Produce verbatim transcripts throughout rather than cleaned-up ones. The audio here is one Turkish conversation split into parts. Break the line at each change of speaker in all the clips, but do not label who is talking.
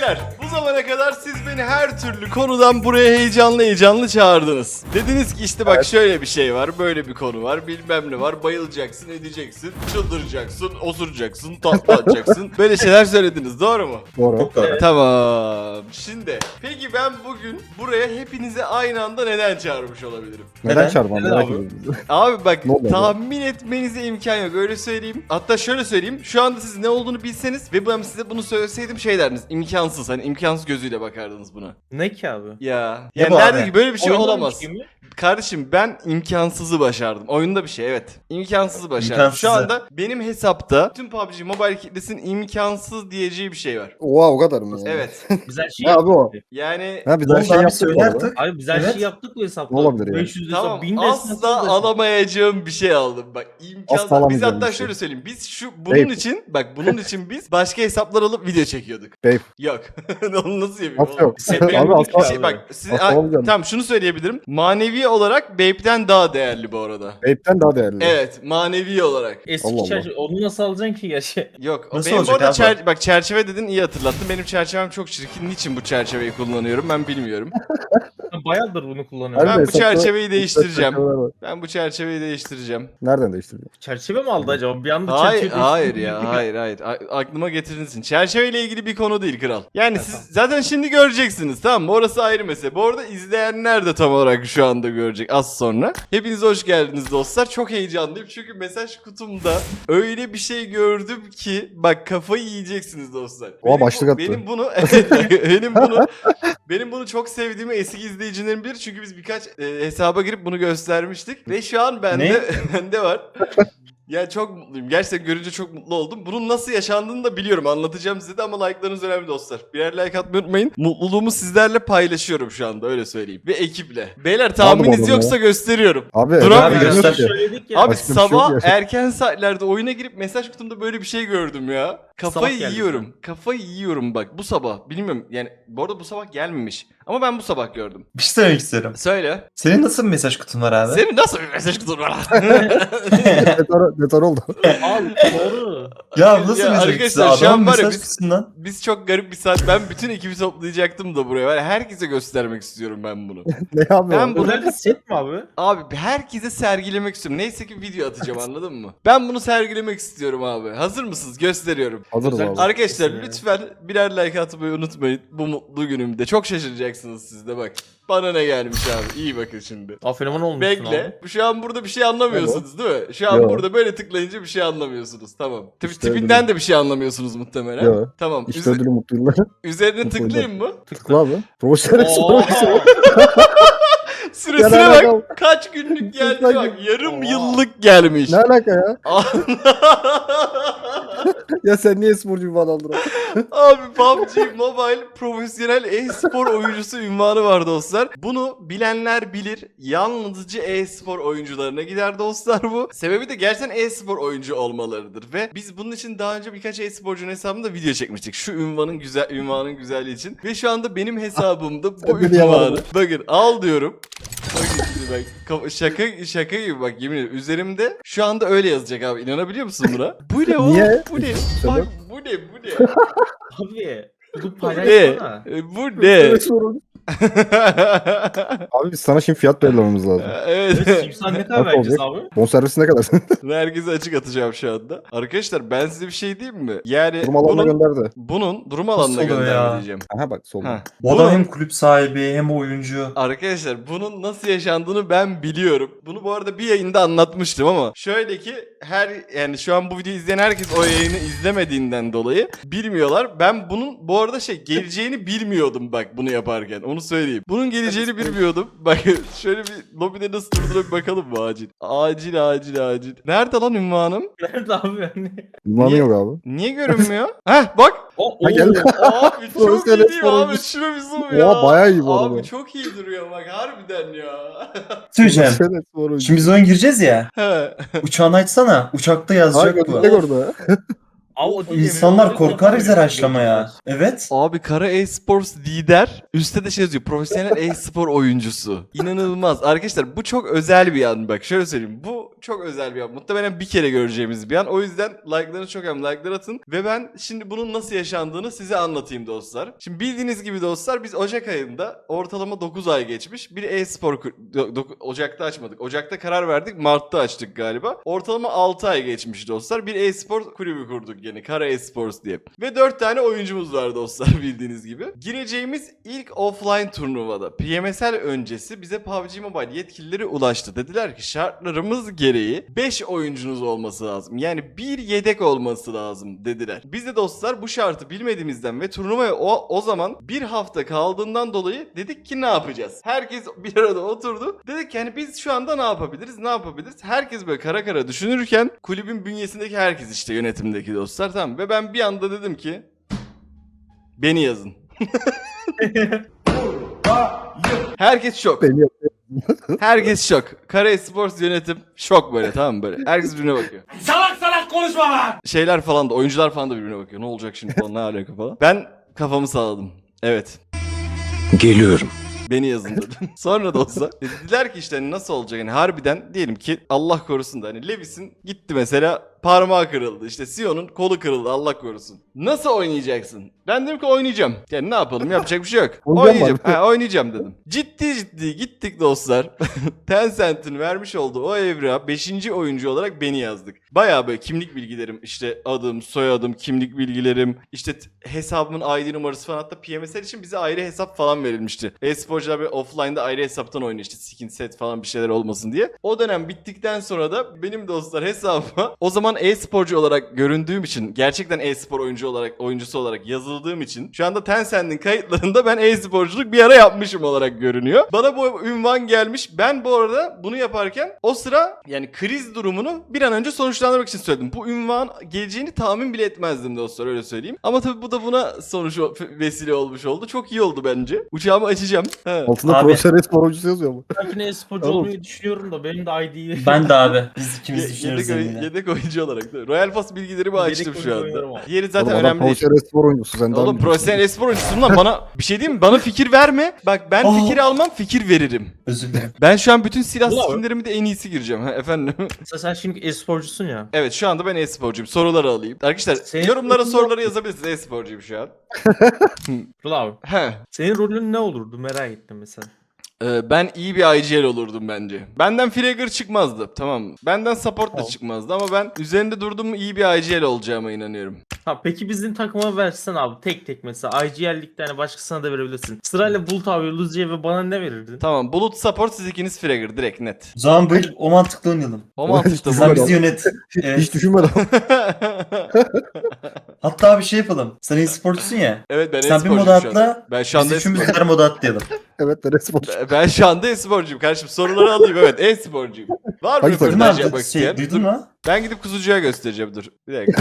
Beyler, bu zamana kadar siz beni her türlü konudan buraya heyecanlı heyecanlı çağırdınız. Dediniz ki işte bak şöyle bir şey var, böyle bir konu var, bilmem ne var, bayılacaksın, edeceksin, çıldıracaksın, osuracaksın, tatlı atacaksın. Böyle şeyler söylediniz, doğru mu?
Doğru.
Çok doğru.
Tamam. Şimdi, peki ben bugün buraya hepinizi aynı anda neden çağırmış olabilirim?
Neden,
Neden?
çarpmam
Neden
merak
abi?
ediyorum.
Abi bak
Ne oluyor
tahmin etmenize imkan yok, öyle söyleyeyim. Hatta şöyle söyleyeyim, şu anda siz ne olduğunu bilseniz ve ben size bunu söyleseydim şey derdiniz, imkansız, hani imkansız gözüyle bakardınız buna.
Ne ki abi?
Ya.
Ne
Yani
bu
nerede
abi?
ki böyle bir şey
Oyundan
olamaz.
bir şey mi?
Kardeşim ben imkansızı başardım. Oyunda bir şey, evet. İmkansızı başardım.
İmkansızı.
Şu anda benim hesapta tüm P U B G Mobile kitlesinin imkansız diyeceği bir şey var.
Oha o kadar mı yani?
Evet.
Biz her şeyi
Ne abi o?
Yani
Ha biz her
Olsa
şey
abi
yaptık bu
söyle
arada.
artık.
Abi biz her
Evet.
şeyi yaptık bu hesapta.
Ne olabilir yani?
beş yüz hesap,
tamam,
bin de
asla
hesap.
alamayacağım bir şey aldım. Bak imkansız.
Asla alamayacağım
Biz hatta
bir şey.
şöyle söyleyeyim. Biz şu bunun
Babe.
için bak bunun için biz başka hesaplar alıp video çekiyorduk.
Babe.
Yok. Onu nasıl yapayım?
Nasıl yok?
Benim
Abi
bir
asla,
şey, bak siz,
asla
Ay,
alamayacağım.
tamam şunu söyleyebilirim. Manevi olarak Babe'den daha değerli bu arada.
Babe'den daha değerli.
Evet, manevi olarak.
Eski
Allah Allah.
çerçeve. Onu nasıl alacaksın ki gerçi?
Yok.
Nasıl
benim bu
olacak
arada
abi?
çer- bak çerçeve dedin, iyi hatırlattın. Benim çerçevem çok çirkin. Niçin bu çerçeveyi kullanıyorum ben bilmiyorum.
Ben bayağıdır bunu kullanıyorum.
Ben
Harbi
bu
hesapta-
çerçeveyi değiştireceğim.
çerçeveler var.
Ben bu çerçeveyi değiştireceğim.
Nereden değiştirdin?
Çerçeve mi aldı acaba? Bir anda
Hayır,
çerçeve
hayır
değiştirdi.
ya, hayır, hayır. A- aklıma getirdiniz için. Çerçeveyle ilgili bir konu değil kral. Yani siz zaten şimdi göreceksiniz, tamam mı? Orası ayrı mesele. Bu arada izleyenler de tam olarak şu anda görecek az sonra. Hepiniz hoş geldiniz dostlar. Çok heyecanlıyım çünkü mesaj kutumda öyle bir şey gördüm ki bak kafayı yiyeceksiniz dostlar.
Oha,
Benim bu-
başlık attı.
Benim bunu benim bunu benim bunu çok sevdiğimi eski izleyicilerim bilir çünkü biz birkaç e, hesaba girip bunu göstermiştik ve şu an bende
Ne?
bende var. Ya çok mutluyum. Gerçekten görünce çok mutlu oldum. Bunun nasıl yaşandığını da biliyorum. Anlatacağım size de ama like'larınız önemli dostlar. Birer like atmayı unutmayın. Mutluluğumu sizlerle paylaşıyorum şu anda, öyle söyleyeyim. Ve ekiple. Beyler tahmininiz
oğlum
yoksa gösteriyorum.
Abi
Dur
evet,
abi,
bilmiyorum
göster.
ki.
Söyledik ya.
Abi
Başka bir şey
sabah
yok ya.
erken saatlerde oyuna girip mesaj kutumda böyle bir şey gördüm ya. Kafayı
Sabah geldi
yiyorum. Kafayı yiyorum bak bu sabah. Bilmiyorum yani bu arada bu sabah gelmemiş. Ama ben bu sabah gördüm.
Bir şey söylemek istiyorum.
Söyle.
Senin nasıl bir mesaj kutun var abi?
Senin nasıl bir mesaj kutun var?
Detar, detar oldu.
Abi doğru.
Ya bu nasıl
Ya
mesaj
arkadaşlar,
kutusu?
şu an
Adamın
var ya
mesaj
biz-
kutusundan.
Biz çok garip bir saat. Ben bütün ekibi toplayacaktım da buraya. Var ya, herkese göstermek istiyorum ben bunu.
Ne abi
Ben
o?
bu-
Özel bir set mi abi?
Abi herkese sergilemek istiyorum. Neyse ki video atacağım, anladın mı? Ben bunu sergilemek istiyorum abi. Hazır mısınız? Gösteriyorum.
Hazırız
Özel-
abi.
Arkadaşlar
Kesin
lütfen birer like atmayı unutmayın. Bu mutlu günümde. Çok şaşıracaksınız siz de bak. Bana ne gelmiş abi. İyi bakın şimdi.
Afenoman olmuşsun
Bekle.
abi.
Bu Şu an burada bir şey anlamıyorsunuz değil mi? Şu an
Yo.
burada böyle tıklayınca bir şey anlamıyorsunuz. Tamam. Tip,
İşte
tipinden
öyle.
de bir şey anlamıyorsunuz muhtemelen.
Yo.
Tamam.
İşte
Üze-
ödülü mutlu yıllar.
üzerine
Mutlu
tıklayayım mı?
Tıkla abi. Profesyonel
Oo.
sorumlusu.
Süresine
Ya ne
bak.
alaka?
Kaç günlük geldi
Kaç
bak. Yarım
Oha.
yıllık gelmiş.
Ne alaka ya? Ya sen niye sporcu bir falan aldın?
Abi P U B G Mobile profesyonel e-spor oyuncusu ünvanı var dostlar. Bunu bilenler bilir. Yalnızca e-spor oyuncularına gider dostlar bu. Sebebi de gerçekten e-spor oyuncu olmalarıdır. Ve biz bunun için daha önce birkaç e-sporcunun hesabında video çekmiştik. Şu ünvanın güzel ünvanın güzelliği için. Ve şu anda benim hesabımda bu
Sen beni
ünvanı.
yaladın.
Bakın al diyorum. Bakın şimdi bak. Kafa- Şaka şaka gibi bak, yemin ederim. Üzerimde şu anda öyle yazacak abi. İnanabiliyor musun buna? Bu ne oğlum?
Niye?
Bu ne?
Sebep?
Bak bu ne? Bu ne?
Abi. Bu
Bu ne?
paylaşsana.
E, Bu ne?
Profesyonel sorumlu. Abi biz sana şimdi fiyat belirlememiz lazım.
Evet.
Simsan ne kadar
Nasıl
vereceğiz
olacak?
abi?
Bonservisi ne kadar?
Herkese açık atacağım şu anda. Arkadaşlar ben size bir şey diyeyim mi? Yani
Durum alanına
bunun,
gönderdi.
bunun durum alanına
oluyor
gönderme
ya?
diyeceğim.
Aha bak solda.
Ha.
Bu adam
Bunun-
hem kulüp sahibi hem oyuncu.
Arkadaşlar bunun nasıl yaşandığını ben biliyorum. Bunu bu arada bir yayında anlatmıştım ama şöyle ki her yani şu an bu videoyu izleyen herkes o yayını izlemediğinden dolayı bilmiyorlar. Ben bunun bu arada şey geleceğini bilmiyordum bak bunu yaparken. Onu söyleyeyim. Bunun geleceğini bilmiyordum. Bak şöyle bir lobide nasıl durduğuna bir bakalım mı acil? Acil acil acil. Nerede lan ünvanım?
Nerede abi yani?
Ünvanı
Niye?
yok abi.
Niye görünmüyor? Heh bak.
O,
Ha, geldi.
Abi çok iyi
Profesyonel
değil mi abi?
sporcu.
Şuna bir zoom ya.
Oha, bayağı iyi bu arada.
Abi çok iyi duruyor bak harbiden ya.
Söyleyeceğim.
Profesyonel sporcu.
Şimdi biz oyun gireceğiz ya.
He.
Uçağını açsana. Uçakta
Hayır
yazacak bu.
götürecek orada.
Abi o değil,
İnsanlar
yemin
korkar
ederim.
bize raşlamaya. Evet.
Abi Kara Esports lider. Üstte de şey yazıyor. Profesyonel e-spor oyuncusu. İnanılmaz. Arkadaşlar bu çok özel bir an. Bak şöyle söyleyeyim. Bu çok özel bir an. Muhtemelen bir kere göreceğimiz bir an. O yüzden like'larınız çok önemli. Like'lar atın. Ve ben şimdi bunun nasıl yaşandığını size anlatayım dostlar. Şimdi bildiğiniz gibi dostlar biz Ocak ayında ortalama dokuz ay geçmiş. Bir e-spor kur- do- do- Ocak'ta açmadık. Ocak'ta karar verdik. Mart'ta açtık galiba. Ortalama altı ay geçmiş dostlar. Bir e-spor kulübü kurduk yine. Kara Esports diye. Ve dört tane oyuncumuz var dostlar bildiğiniz gibi. Gireceğimiz ilk offline turnuvada P M S L öncesi bize P U B G Mobile yetkilileri ulaştı. Dediler ki şartlarımız gereği beş oyuncunuz olması lazım. Yani bir yedek olması lazım dediler. Biz de dostlar bu şartı bilmediğimizden ve turnuvaya o, o zaman bir hafta kaldığından dolayı dedik ki ne yapacağız? Herkes bir arada oturdu. Dedik ki hani biz şu anda ne yapabiliriz? Ne yapabiliriz? Herkes böyle kara kara düşünürken kulübün bünyesindeki herkes işte yönetimdeki dostlar tamam. Ve ben bir anda dedim ki beni yazın. Herkes şok.
Beni yap-
Herkes şok. Kara Esports yönetim şok böyle tamam mı böyle. Herkes birbirine bakıyor.
Salak salak konuşma lan!
Şeyler falan da oyuncular falan da birbirine bakıyor. Ne olacak şimdi falan ne alaka falan. Ben kafamı sağladım. Evet.
Geliyorum.
Beni yazın dedim. Sonra da olsa dediler ki işte hani nasıl olacak hani harbiden diyelim ki Allah korusun da hani Levis'in gitti mesela parmağı kırıldı. İşte Sion'un kolu kırıldı Allah korusun. Nasıl oynayacaksın? Ben dedim ki oynayacağım. Yani ne yapalım yapacak bir şey yok.
Oynayacağım
Oynayacağım.
abi.
Ha, oynayacağım dedim. Ciddi ciddi gittik dostlar. Tencent'in vermiş olduğu o evrağa beşinci oyuncu olarak beni yazdık. Bayağı böyle kimlik bilgilerim işte adım, soyadım, kimlik bilgilerim, işte t- hesabımın I D numarası falan hatta P M S L için bize ayrı hesap falan verilmişti. E-sporcular böyle offline'da ayrı hesaptan oynuyor işte skin set falan bir şeyler olmasın diye. O dönem bittikten sonra da benim dostlar hesabıma o zaman e-sporcu olarak göründüğüm için gerçekten e-spor oyuncu olarak oyuncusu olarak yazıldığım için şu anda Tencent'in kayıtlarında ben e-sporculuk bir ara yapmışım olarak görünüyor. Bana bu ünvan gelmiş. Ben bu arada bunu yaparken o sıra yani kriz durumunu bir an önce sonuçlandırmak için söyledim. Bu ünvan geleceğini tahmin bile etmezdim dostlar öyle söyleyeyim. Ama tabii bu da buna sonuç vesile olmuş oldu. Çok iyi oldu bence. Uçağımı açacağım. He.
Altında
Abi-
profesyonel spor oyuncusu yazıyor ama.
Belki ne sporcu
Oğlum.
olmayı düşünüyorum da benim de I D'yi...
Ben de abi. Biz
Ye-
ikimiz düşünüyoruz
yedek, oy-
seninle.
yedek oyuncu olarak da. Royal Pass bilgilerimi
Yedek
açtım şu
oyuncu oynarım
anda.
ama.
Diğeri zaten
Oğlum adam
önemli değil.
profesyonel spor oyuncusu. Sen daha
Oğlum
mı biliyorsun?
profesyonel espor oyuncusun lan bana bir şey diyeyim mi? Bana fikir verme. Bak ben
Oh.
fikir almam fikir veririm.
Özür dilerim.
Ben şu an bütün silah
Bravo.
skinlerimi de en iyisi gireceğim. Ha, efendim.
Mesela sen şimdi e-sporcusun ya.
Evet şu anda ben e-sporcuyum. Soruları alayım. Arkadaşlar
Senin-
yorumlara soruları yazabilirsiniz. E-sporcuyum şu an.
Dur abi.
He.
Senin rolün ne olurdu merak ettim mesela.
Ee, ben iyi bir I G L olurdum bence. Benden Fragger çıkmazdı. Tamam mı? Benden support da
Tamam.
çıkmazdı ama ben üzerinde durduğum iyi bir I G L olacağıma inanıyorum.
Ha peki bizim takıma versen abi tek tek mesela I G L'likte hani başkasına da verebilirsin. Sırayla Bulut abi, Luzi'ye ve bana ne verirdin?
Tamam bulut support siz ikiniz Fragger direkt net.
O zaman bu yıl o mantıklı oynayalım.
O mantıkta
Sen
bu.
bizi yönet.
Hiç
Evet.
düşünmedim.
Hatta bir şey yapalım. Sen e-sporcusun ya.
Evet ben
Sen bir
e-sporcuyum
moda
şu anda.
atla.
Ben şu
Biz
anda
üçümüz
e-spor-
her moda atlayalım.
Evet ben spor.
Ben şu anda e-sporcuyum kardeşim. Soruları alayım evet e-sporcuyum. Var mı
Hangi takım?
Duydun mu
röportaj
abi?
yapmak
Şey,
isteyen?
duydun
Dur,
mu?
ben gidip kuzucuya göstereceğim dur. Bir dakika.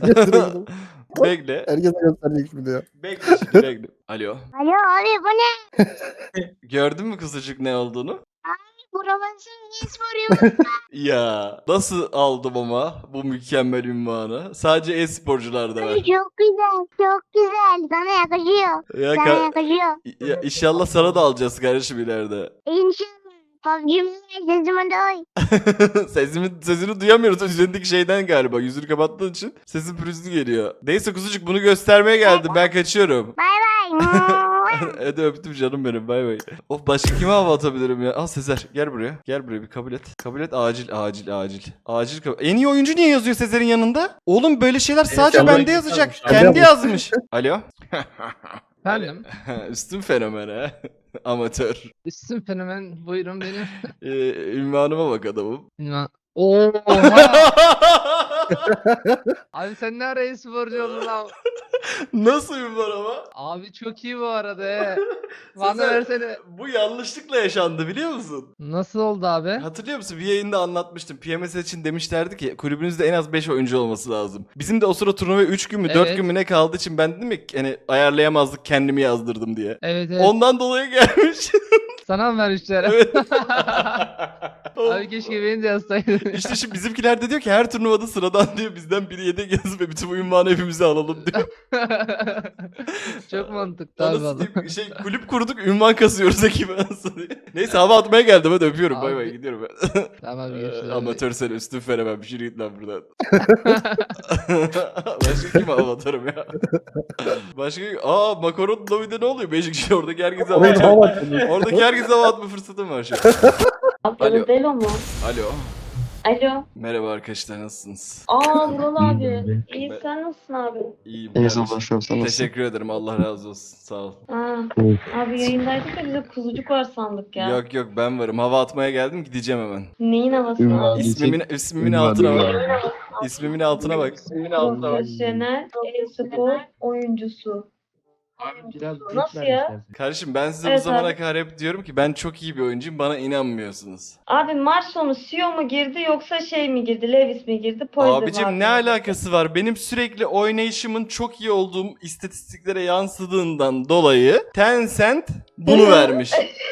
Bekle.
Herkese gösterecek şimdi ya.
Bekle şimdi bekle. Alo.
Alo abi bu ne?
Gördün mü kuzucuk ne olduğunu?
Profesyonel e-spor
Ya nasıl aldım ama bu mükemmel ünvanı? Sadece e-sporcularda var.
Çok güzel, çok güzel. Sana yakışıyor.
Ya,
Sana
ka-
yakışıyor.
ya inşallah sana da alacağız kardeşim ileride.
İnşallah. P U B G Mobile sesime doy.
Sesimi, sesini duyamıyoruz üzerindeki şeyden galiba. Yüzünü kapattığın için sesin pürüzlü geliyor. Neyse kuzucuk bunu göstermeye geldim. Ben kaçıyorum.
Bay bay.
Hadi öptüm canım benim bay bay. Of başka kime hava atabilirim ya? Al Sezer gel buraya. Gel buraya bir kabul et. Kabul et acil acil acil. Acil kabul. En iyi oyuncu niye yazıyor Sezer'in yanında? Oğlum böyle şeyler sadece
Kendi
bende yazacak.
yazmış.
Kendi yazmış. Alo.
Efendim?
Üstün fenomen ha. Amatör.
Üstün fenomen buyurun benim.
Ee, ünvanıma bak adamım.
Ünvan- Oha! Abi sen ne ara e-sporcu oldun lan?
Nasıl ünvan ama?
Abi çok iyi bu arada he. Bana
Sezer,
versene.
Bu yanlışlıkla yaşandı biliyor musun?
Nasıl oldu abi?
Hatırlıyor musun? Bir yayında anlatmıştım. P M S için demişlerdi ki kulübünüzde en az beş oyuncu olması lazım. Bizim de o sıra turnuvaya üç gün mü dört
Evet.
gün mü ne kaldığı için ben dedim ya hani ayarlayamazdık kendimi yazdırdım diye.
Evet evet.
Ondan dolayı gelmiş.
Sana mı vermişler?
Evet.
Abi keşke beni de yazsaydın.
İşte şimdi bizimkiler de diyor ki her turnuvada sıradan diyor bizden biri yedek yazıp ve bütün bu ünvanı hepimize alalım diyor.
Çok mantıklı abi.
Anasını
valla.
diyeyim, şey kulüp kurduk ünvan kasıyoruz ekibe anasını diyeyim. Neyse hava atmaya geldim hadi öpüyorum bay bay
Abi.
gidiyorum ben.
Tamam abi görüşürüz.
Ee, Amatör sen üstün veremem bir şey git lan buradan. Başka kim hava atarım ya? Başka aa makaron lobide ne oluyor? Beşik kişi oradaki herkese hava
Orayı
atıyor.
hava atıyor.
Oradaki herkese hava atma fırsatım var şu an. Alo.
Delo mu?
Alo.
Alo.
Merhaba arkadaşlar nasılsınız?
Aa Vural abi. İyi sen nasılsın abi?
İyiyim.
İyi
kardeşim.
savaşıyorum sen nasılsın?
Teşekkür ederim Allah razı olsun sağ ol.
Aa, abi yayındaydık da bize kuzucuk var sandık ya.
Yok yok ben varım hava atmaya geldim gideceğim hemen.
Neyin havası abi?
İsmimin, ismimin altına bak. İsmimin altına bak. İsmimin altına bak.
Profesyonel e-spor oyuncusu. Nasıl ya?
Kardeşim ben size
Evet
bu zamana
abi.
kadar hep diyorum ki ben çok iyi bir oyuncuyum bana inanmıyorsunuz.
Abi maç sonu C E O mu girdi yoksa şey mi girdi? Levis mi girdi? Poyser mi
Abicim
abi?
ne alakası var? Benim sürekli oynayışımın çok iyi olduğum istatistiklere yansıdığından dolayı Tencent bunu
Hı.
vermiş.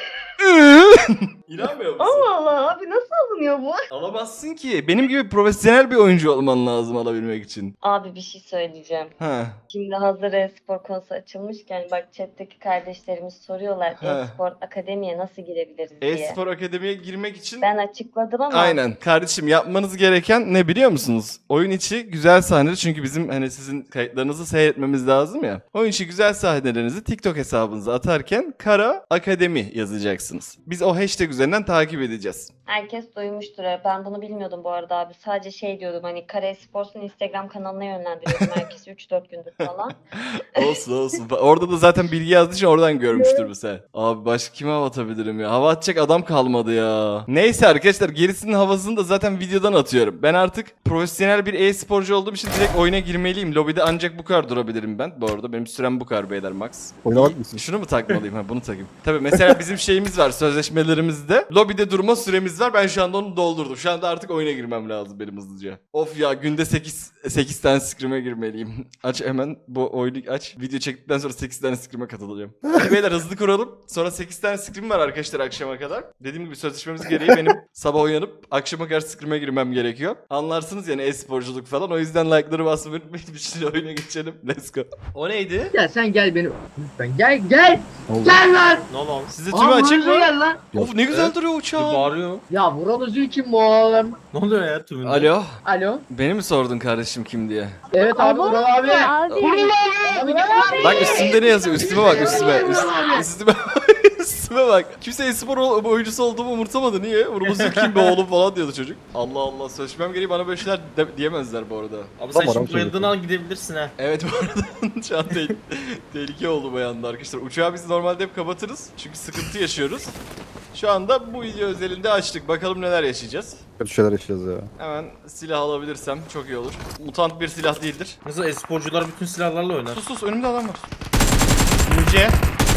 İnanmıyor musun?
Allah Allah abi nasıl alınıyor bu?
Alamazsın ki. Benim gibi profesyonel bir oyuncu olman lazım alabilmek için.
Abi bir şey söyleyeceğim.
Ha.
Şimdi hazır e-spor konusu açılmışken bak chat'teki kardeşlerimiz soruyorlar
He.
e-spor akademiye nasıl girebiliriz diye.
E-spor akademiye girmek için
Ben açıkladım ama
aynen. Kardeşim yapmanız gereken ne biliyor musunuz? Oyun içi güzel sahneleri çünkü bizim hani sizin kayıtlarınızı seyretmemiz lazım ya. Oyun içi güzel sahnelerinizi TikTok hesabınıza atarken Kara Akademi yazacaksınız. Biz o hashtag üzerinden takip edeceğiz.
herkes duymuştur. Ben bunu bilmiyordum bu arada abi. Sadece şey diyordum hani Kara Esports'un Instagram kanalına yönlendiriyordum herkesi üç dört gündür falan.
Olsun olsun. Orada da zaten bilgi yazdığı için oradan görmüştür mesela. Abi başka kime hava atabilirim ya? Hava atacak adam kalmadı ya. Neyse arkadaşlar gerisinin havasını da zaten videodan atıyorum. Ben artık profesyonel bir e-sporcu olduğum için direkt oyuna girmeliyim. Lobide ancak bu kadar durabilirim ben. Bu arada benim sürem bu kadar beyler max.
Oynamak mısın?
Şunu mu takmalıyım? Ha bunu takayım. Tabii mesela bizim şeyimiz var sözleşmelerimizde. Lobide durma süremiz var. Ben şu anda onu doldurdum. Şu anda artık oyuna girmem lazım benim hızlıca. Of ya günde sekiz sekiz tane scrim'e girmeliyim. Aç hemen bu oyunu aç. Video çektikten sonra sekiz tane scrim'e katılacağım. Hadi beyler hızlı kuralım. Sonra sekiz tane scrim var arkadaşlar akşama kadar. Dediğim gibi sözleşmemiz gereği benim sabah uyanıp akşama kadar scrim'e girmem gerekiyor. Anlarsınız yani e-sporculuk falan. O yüzden like'ları basmayı unutmayın. Bir şimdi oyuna geçelim. Let's go. O neydi?
Ya sen gel benim. Lütfen gel gel.
Oldu.
Gel lan.
Ne oldu?
Size tümü
Aa,
açık
Murat'ı
mı?
gel lan.
Of ne güzel duruyor
Bir
uçağım.
bağırıyor.
Ya Vural Özül kim bu oğlum?
Ne oluyor ya tümünde?
Alo.
Alo.
Beni mi sordun kardeşim kim diye?
Evet abi Vural abi.
Abi.
Abi gel.
Bak üstümde ne yazıyor? Üstüme bak üstüme. Üst, üstüme üstüme bak. Kimse e-spor ol- oyuncusu olduğumu umursamadı. Niye? Vurması kim be oğlum falan diyordu çocuk. Allah Allah sözleşmem gereği bana böyle şeyler de- diyemezler bu arada.
Abi sen
Tamam,
şimdi
abi,
bayıldığını al gidebilirsin ha.
Evet bu arada şu an te- tehlike oldu bu yanda arkadaşlar. Uçağı biz normalde hep kapatırız. Çünkü sıkıntı yaşıyoruz. Şu anda bu video özelinde açtık. Bakalım neler yaşayacağız.
Kötü şeyler yaşayacağız ya.
Hemen silah alabilirsem çok iyi olur. Mutant bir silah değildir.
Mesela esporcular bütün silahlarla oynar.
Sus sus önümde adam var. Ninja.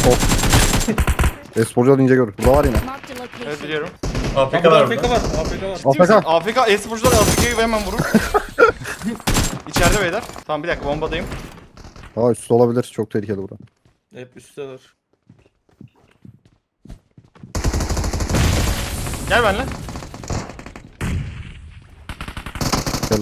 Esporcular ince görür. Burada var yine.
Evet biliyorum.
A F
Bak
K var
A F K
burada.
var. A F K var.
Ciddi misin?
A F K.
A F K e-sporcular A F K'yı hemen vurur. İçeride beyler. Tamam bir dakika bombadayım.
Aa üstü olabilir. Çok tehlikeli bura.
Hep üstteler.
Gel benimle.
Geldim.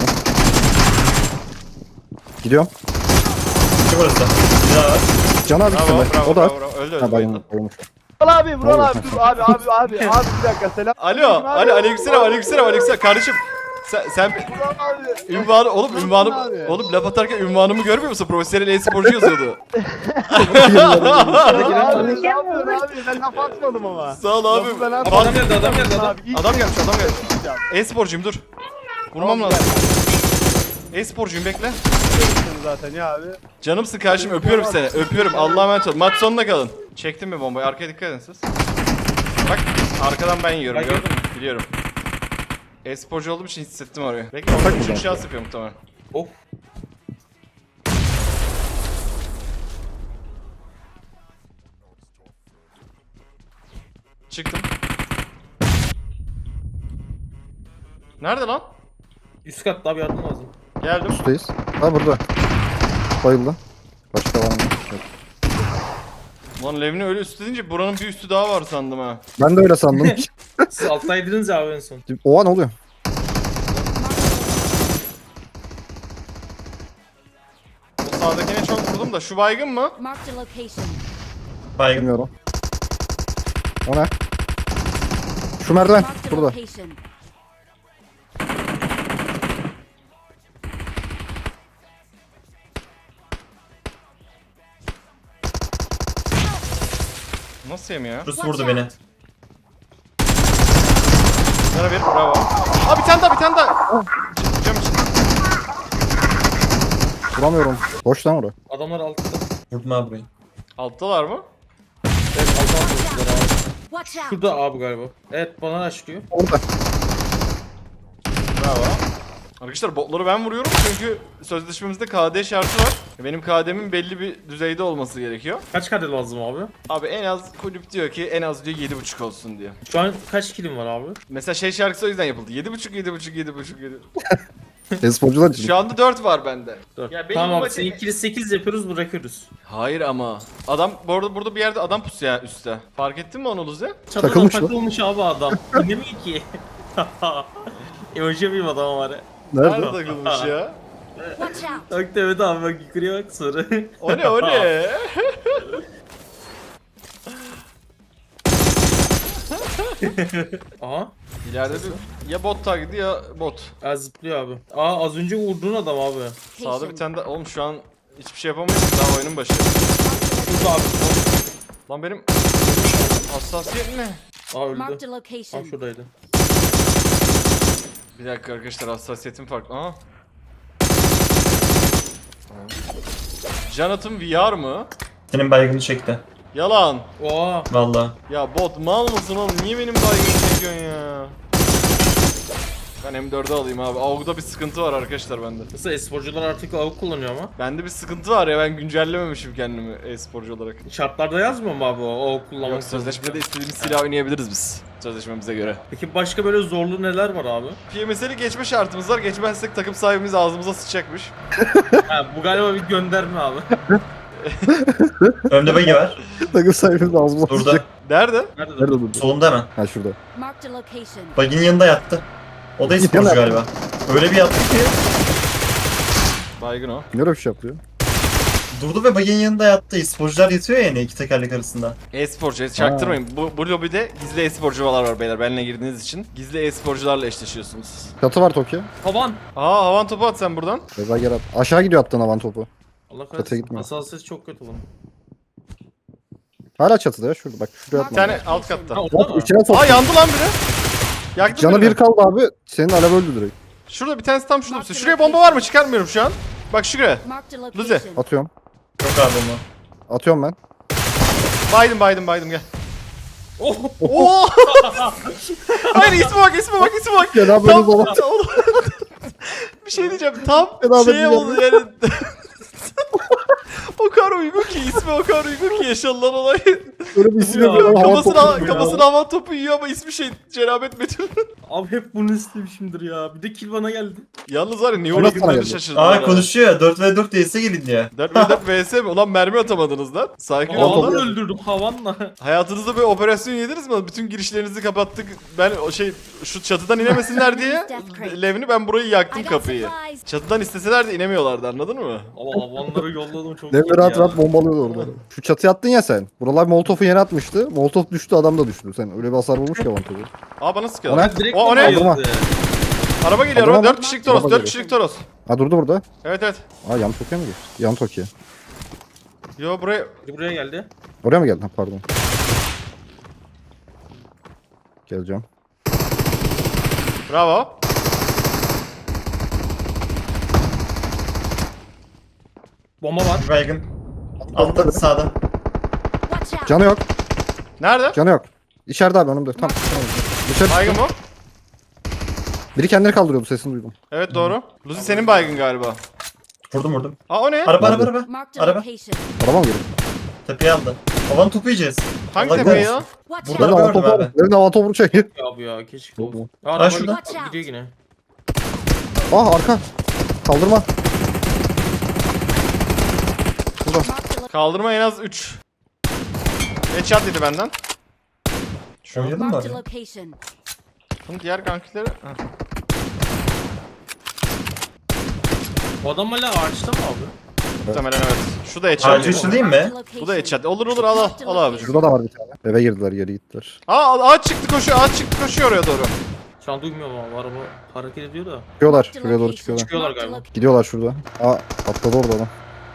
Gidiyorum.
İki burası. Bir daha var.
Can abi
Bravo
gitsin be.
bravo
O da.
bravo. bravo. Öldü öldü.
Ha
bayıldı.
bayılmış. bayılmış.
Vural abi, Vural
Ne
abi,
oluyor?
dur abi, abi, abi, abi bir dakika selam.
Alo. Alo aleykümselam aleykümselam aleykümselam. Kardeşim. Sen, sen
Vural abi.
ünvanı oğlum ünvanım
abi.
oğlum laf atarken ünvanımı görmüyor musun? Profesyonel e-sporcu yazıyordu.
Abi, ne yapıyorsun abi? Ben laf atmadım ama.
Sağ ol abi.
Lafı ben
Abi
atmadım.
adam geldi adam geldi adam.
Abi, ilk
Adam gelmiş adam gelmiş.
yapacağım.
E-sporcuyum dur. Vurmam
Tamam,
lazım. E-sporcuyum bekle.
Seni zaten ya abi.
Canımsın kardeşim öpüyorum seni. Öpüyorum. Allah'a emanet ol. Maç sonuna kalın. Çektim mi bombayı? Arkaya dikkat edin siz. Bak arkadan ben yiyorum.
Ben
Gördün
gördüm.
mü? Biliyorum. E-sporcu olduğum için hissettim orayı. Bekle orada üçüncü şans yapıyorum muhtemelen.
Of.
Çıktım. Nerede lan?
Üst katta abi yardım lazım.
Geldim.
Üstteyiz. Ha burada. Bayıldı. Başka var mı? Yok.
Lan Levni öyle üstü deyince buranın bir üstü daha var sandım ha.
Ben de öyle sandım.
Siz alttaydınız ya abi en son.
Oha ne oluyor?
O sağdakine çok vurdum da şu baygın mı?
Marked a location.
Baygın.
Bilmiyorum. O ne? Şu merdiven.
Marked a
Burada.
location.
Nasıl yemiyor?
Rus vurdu beni.
Sana bir bravo. Aa bir tane daha bir tane daha. Cam için.
Vuramıyorum. Boş lan orada.
Adamlar altta.
Vurdum abi burayı.
Alttalar mı?
Evet altta atmışlar abi.
Watch out.
Şurada abi galiba. Evet bana açlıyor.
Orada.
Bravo. Arkadaşlar botları ben vuruyorum çünkü sözleşmemizde K D şartı var. Benim K D'min belli bir düzeyde olması gerekiyor.
Kaç kadar lazım abi?
Abi en az kulüp diyor ki en az diyor yedi buçuk olsun diyor.
Şu an kaç kilim var abi?
Mesela şey şarkısı o yüzden yapıldı. yedi buçuk yedi buçuk yedi buçuk yedi.
E-sporcular için.
Şu anda dört var bende.
dört.
Ya benim
Tamam abi
maçı-
sen ikili sekiz yapıyoruz bırakıyoruz.
Hayır ama. Adam bu arada burada bir yerde adam pusu ya üstte. Fark ettin mi onu Luzi?
Çatıda
Takılmış lan.
takılmış abi adam. İnemiyor ki. Emoji yapayım adama var ya.
Nerede
Nerede?
takılmış ya?
Watch out.
Bak evet abi bak yukarıya bak sonra.
O ne o ne?
Aha.
İleride bir ya bot taklidi ya bot.
Ya zıplıyor abi. Aa az önce vurduğun adam abi.
Sağda bir tane de oğlum şu an hiçbir şey yapamayız daha oyunun başı.
Şurada abi.
Lan benim hassasiyet ne?
Aa öldü.
Marked a
Tam
location.
şuradaydı.
Bir dakika arkadaşlar hassasiyetim farklı. Aha. Jonathan V R mı?
Senin baygını çekti.
Yalan.
Oha.
Valla.
Ya bot mal mısın oğlum? Niye benim baygını çekiyorsun ya? Ben M dört'ü alayım abi. A W G'da bir sıkıntı var arkadaşlar bende.
Nasıl esporcular artık A W G kullanıyor ama.
Bende bir sıkıntı var ya ben güncellememişim kendimi e-sporcu olarak.
Şartlarda yazmıyor mu abi o A W G kullanmak?
Yok sözleşmede istediğimiz silah oynayabiliriz biz. Sözleşmemize göre.
Peki başka böyle zorlu neler var abi?
P M S'li geçme şartımız var. Geçmezsek takım sahibimiz ağzımıza sıçacakmış.
Ha bu galiba bir gönderme abi.
Önde bagi var.
Takım sahibimiz ağzımıza
Burada.
sıçacak.
Nerede?
Nerede?
Nerede durdu?
Solunda hemen.
Ha şurada.
Marked a location.
Baginin yanında yattı. O da esporcu
Yattı.
galiba. Öyle bir yattı ki.
Baygın o.
Niye öyle bir şey yapıyor?
Durdu ve baginin yanında yattı. Esporcular yatıyor ya yine iki tekerlek arasında.
E-sporcu, e- çaktırmayın. Bu, bu lobide gizli e-sporcular var beyler benimle girdiğiniz için. Gizli e-sporcularla eşleşiyorsunuz.
Çatı var Tokyo.
Havan.
Aa havan topu at sen buradan.
Reza gel at. Aşağı gidiyor attığın havan topu.
Allah
Çatıya
kahretsin.
gitmiyor.
Hassasiyet çok kötü bunun.
Hala çatıda ya şurada. Bak şuraya
Bir
atma.
tane alt katta.
Ha orada
Hop
mı?
içine sok.
Aa yandı lan biri. Yaktı
Canı
birini.
bir kaldı abi. Senin alev öldü direkt.
Şurada bir tanesi tam şurada. pusuyor. Şuraya bomba var mı? Çıkarmıyorum şu an. Bak şuraya.
Marked a
Luzi.
location.
Atıyorum.
Yok abi onu.
Atıyorum ben.
Baydım baydım baydım gel.
Oh.
Oo! Hayır isme bak isme bak isme bak.
Gel abi böyle
Tam
zaman.
oğlum. Bir şey diyeceğim. Tam
Beraber
şey
gidelim.
oldu yani. O kadar uygun ki ismi o kadar uygun ki yaşanılan olay.
Böyle bir isim
Ya,
yapıyor. Hava
Kafasına,
topu.
kafasına hava topu yiyor ama ismi şey Cenabet Metin.
Abi hep bunu istemişimdir ya. Bir de kill bana geldi.
Yalnız var ya New
Orası sana
Orleans'da
geldi.
şaşırdım.
Aa
ya.
konuşuyor ya. dört ve dört değilse gelin diye.
dört ve dört vs mi? Ulan mermi atamadınız lan. Sakin
Hava
olun.
topu.
Havanla öldürdüm havanla.
Hayatınızda bir operasyon yediniz mi? Bütün girişlerinizi kapattık. Ben o şey şu çatıdan inemesinler diye Levni ben burayı yaktım
I got
kapıyı.
supplies.
Çatıdan isteseler de inemiyorlardı anladın mı?
Ama havanları yolladım çok
Devre
iyiydi
rahat
ya.
rahat bombalıyordu orada. Şu çatıya attın ya sen. Buralar Molotov'u yere atmıştı. Molotov düştü adam da düştü. Sen öyle bir hasar vurmuş ki havan topu.
Aa bana
O
sıkıyorlar.
ne?
Direkt
O, o ne?
bomba
Aldırma.
yazdı.
Araba geliyor
Aldırma
araba.
mı?
dört kişilik Toros.
Araba
dört
geliyor.
kişilik Toros.
Ha durdu burada.
Evet evet.
Aa yan Tokyo mu geçti? Yan Tokyo.
Yo buraya.
Biri buraya geldi.
Oraya mı geldin? Ha pardon. Geleceğim.
Bravo.
Bomba var.
Baygın. Altta sağda.
Watch out.
Canı yok.
Nerede?
Canı yok. İçeride abi önümde. Tam. tamam. Dışarı
Baygın
çıktı.
mı?
Biri kendini kaldırıyordu sesini duydum.
Evet doğru. Lucy senin baygın galiba.
Vurdum vurdum.
Aa o ne?
Araba araba
Nerede?
araba.
Marked a
Araba.
location.
Araba mı geliyor?
Tepeye aldı. Havan topu yiyeceğiz.
Hangi
Allah
tepeyi
korusun.
ya?
Watch
Burada
Ben
out.
de
gördüm
hava topu
abi.
Ben de hava topu çekiyor.
Ya bu ya keşke
Yok mu?
olsun. Aa, araba
şurada.
Watch out.
gidiyor yine.
Ah arka. Kaldırma.
Marked a lo-
Kaldırma en az üç. Headshot yedi benden.
Oynadın mı
Marked a
abi?
location.
Bunun diğer kankileri... Heh.
Bu adam hala ağaçta mı abi?
Muhtemelen evet. şu da headshot.
Ağacı üstü değil mi?
Marked a location.
Bu da headshot. Olur olur al al, al abi.
Şurada da var bir tane. Eve girdiler geri gittiler.
Aa ağaç çıktı koşuyor. Ağaç çıktı koşuyor oraya doğru.
Şu an duymuyorum ama araba hareket ediyor da.
Çıkıyorlar.
Marked a
Şuraya doğru
location.
çıkıyorlar.
Çıkıyorlar
Marked a
galiba.
location.
Gidiyorlar şurada. Aa atladı orada adam.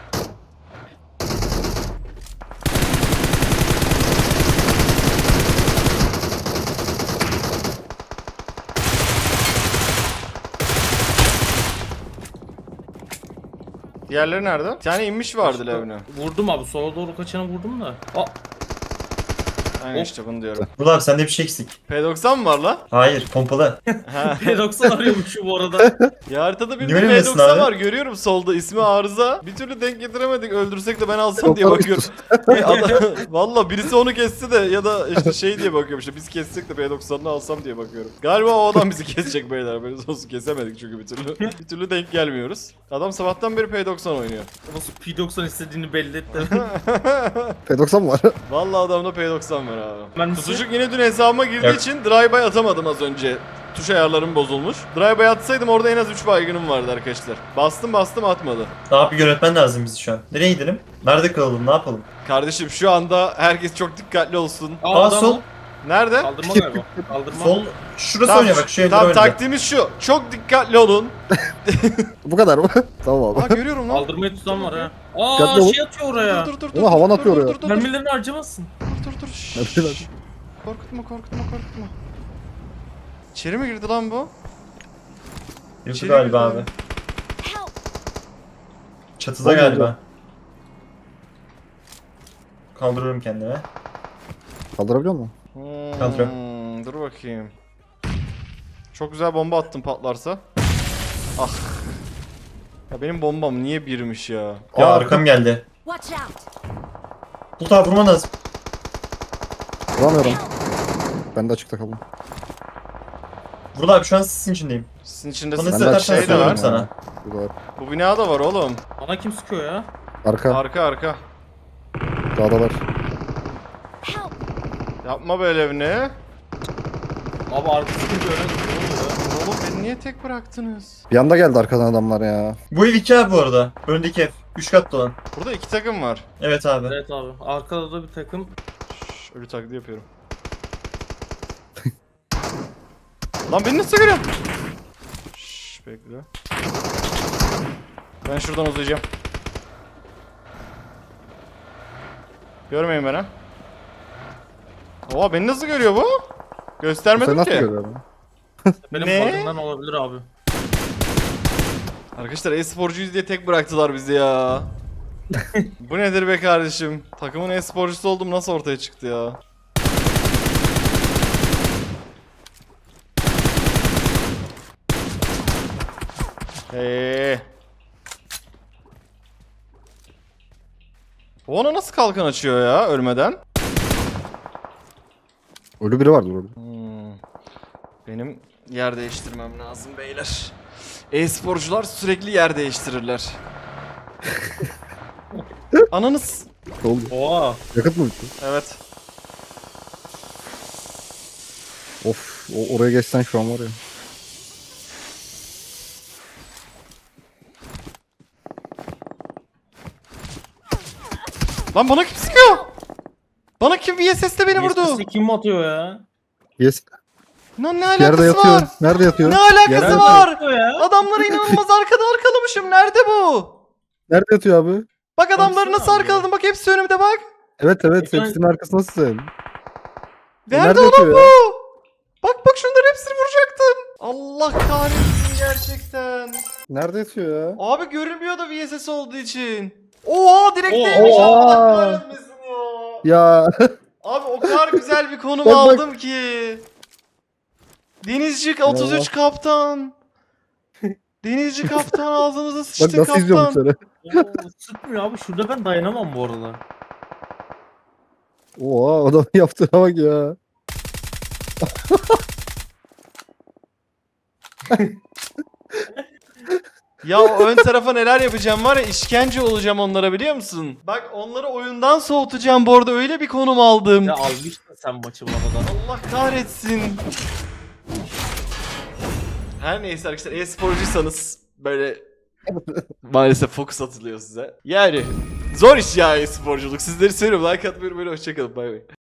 Diğerleri nerede? Bir tane inmiş vardı evine.
Vurdum abi, sola doğru kaçana vurdum da. Aa,
Aynen
Of.
işte bunu diyorum.
Burada abi sende bir şey eksik.
P doksan mı var la?
Hayır pompalı.
Ha.
P doksan arıyormuş bu arada.
Ya haritada bir
Niye
de P
öylesin
doksan
abi?
var görüyorum solda ismi Arıza. Bir türlü denk getiremedik öldürsek de ben alsam diye
Yok,
bakıyorum. E, adam- Valla birisi onu kesse de ya da işte şey diye bakıyorum işte biz kessek de P doksanını alsam diye bakıyorum. Galiba o adam bizi kesecek beyler böyle olsun kesemedik çünkü bir türlü. Bir türlü denk gelmiyoruz. Adam sabahtan beri P doksan oynuyor.
Nasıl P doksan istediğini belli etti.
P doksan mı var?
Valla adamda P doksan var abi.
Ben
Tutucuk yine dün hesabıma girdiği
Yok.
için drive-by atamadım az önce. Tuş ayarlarım bozulmuş. Drive-by atsaydım orada en az üç baygınım vardı arkadaşlar. Bastım bastım atmadı.
Daha bir yönetmen lazım bizi şu an. Nereye gidelim? Nerede kalalım? Ne yapalım?
Kardeşim şu anda herkes çok dikkatli olsun.
Aa,
Aa
adam-
sol.
Nerede?
Kaldırma galiba. Kaldırma.
Sol. Şurası oynuyor bak şu evler
Tamam
oynuyor.
taktiğimiz şu. Çok dikkatli olun.
Bu kadar mı? Tamam
Aa
abi.
görüyorum lan.
Kaldırmayı tutan var ha. Aa
Dikkatli ol.
şey atıyor oraya.
Dur dur dur dur.
Ama havan
dur,
atıyor
dur,
oraya.
Dur dur dur.
Mermilerini harcamasın.
Dur dur. Şşş.
Mermiler.
Korkutma korkutma korkutma. İçeri mi girdi lan bu?
Yok
İçeri
galiba
girdi
abi.
Help.
Çatıda
Olmadı.
galiba. Kaldırıyorum kendime.
Kaldırabiliyor musun?
Hmm,
Kontrol.
dur bakayım. Çok güzel bomba attım patlarsa. Ah. Ya benim bombam niye birmiş ya?
Ya
Aa,
arkam geldi.
Watch out.
Bu tarafa vurman lazım.
Vuramıyorum. Ben de açıkta kaldım.
Vurdu abi şu an sisin içindeyim.
Sizin içinde
Bana
sizin
Ben de
zaten
şey de
söylüyorum
var.
sana.
Burada var.
Bu binada var oğlum.
Bana kim sıkıyor ya?
Arka.
Arka arka.
Dağdalar.
Help.
Yapma böyle evini.
Abi arkası sıkıyor öyle. Ne oluyor ya?
Oğlum beni niye tek bıraktınız?
Bir anda geldi arkadan adamlar ya.
Bu ev iki abi bu arada. Öndeki ev. Üç katlı olan.
Burada iki takım var.
Evet abi.
Evet abi. Arkada da bir takım.
Şşş, ölü taklidi yapıyorum. Lan beni nasıl görüyorsun? Şşş bekle. Ben şuradan uzayacağım. Görmeyin beni. Oha beni nasıl görüyor bu?
Sen
Göstermedim
nasıl
ki.
görüyorsun?
Benim
Ne?
farkından olabilir abi.
Arkadaşlar e-sporcuyuz diye tek bıraktılar bizi ya. Bu nedir be kardeşim? Takımın e-sporcusu oldum nasıl ortaya çıktı ya? Hey. O ona nasıl kalkan açıyor ya ölmeden?
Ölü biri vardı orada.
Hmm. Benim yer değiştirmem lazım beyler. E-sporcular sürekli yer değiştirirler. Ananız.
Ne oldu?
Oha.
Yakıt mı bitti?
Evet.
Of o, oraya geçsen şu an var ya.
Lan bana kim sıkıyor? Bana kim V S S'te beni vurdu?
Yesisi kim atıyor ya?
Yes.
Lan ne
Yerde
alakası
yatıyor.
var?
Nerede yatıyor?
Ne alakası
Yerde-
var?
Atıyor ya.
Adamları inanılmaz arkada arkalamışım. Nerede bu?
Nerede yatıyor abi?
Bak adamları
Baksana
nasıl
abi.
arkaladım. Bak hepsi önümde bak.
Evet evet
Ekran-
hepsinin arkasındasın sen.
Nerede,
Nerede
oğlum
yatıyor
bu?
ya?
Bak bak şunları hepsini vuracaktım. Allah kahretsin gerçekten.
Nerede yatıyor ya?
Abi görünmüyor da V S S olduğu için. Oha direkt değmiş.
Oha.
Allah kahretmesin ya.
Ya
Abi o kadar güzel bir konum
Bak, bak.
aldım ki. Denizci otuz üç kaptan. Denizci kaptan ağzımıza
bak
sıçtı
nasıl izliyorum
kaptan.
seni.
Oo, sıkmıyor abi. Şurada ben dayanamam bu arada.
Oha adam yaptığına bak ya.
Ya o ön tarafa neler yapacağım var ya, işkence olacağım onlara, biliyor musun? Bak onları oyundan soğutacağım bu arada, öyle bir konum aldım.
Ya almıştın sen maçı bana.
Allah kahretsin. Her neyse arkadaşlar, e-sporcuysanız böyle maalesef fokus atılıyor size. Yani zor iş ya e-sporculuk. Sizleri seviyorum. Like atmayı unutmayın. Hoşçakalın. Bay bay.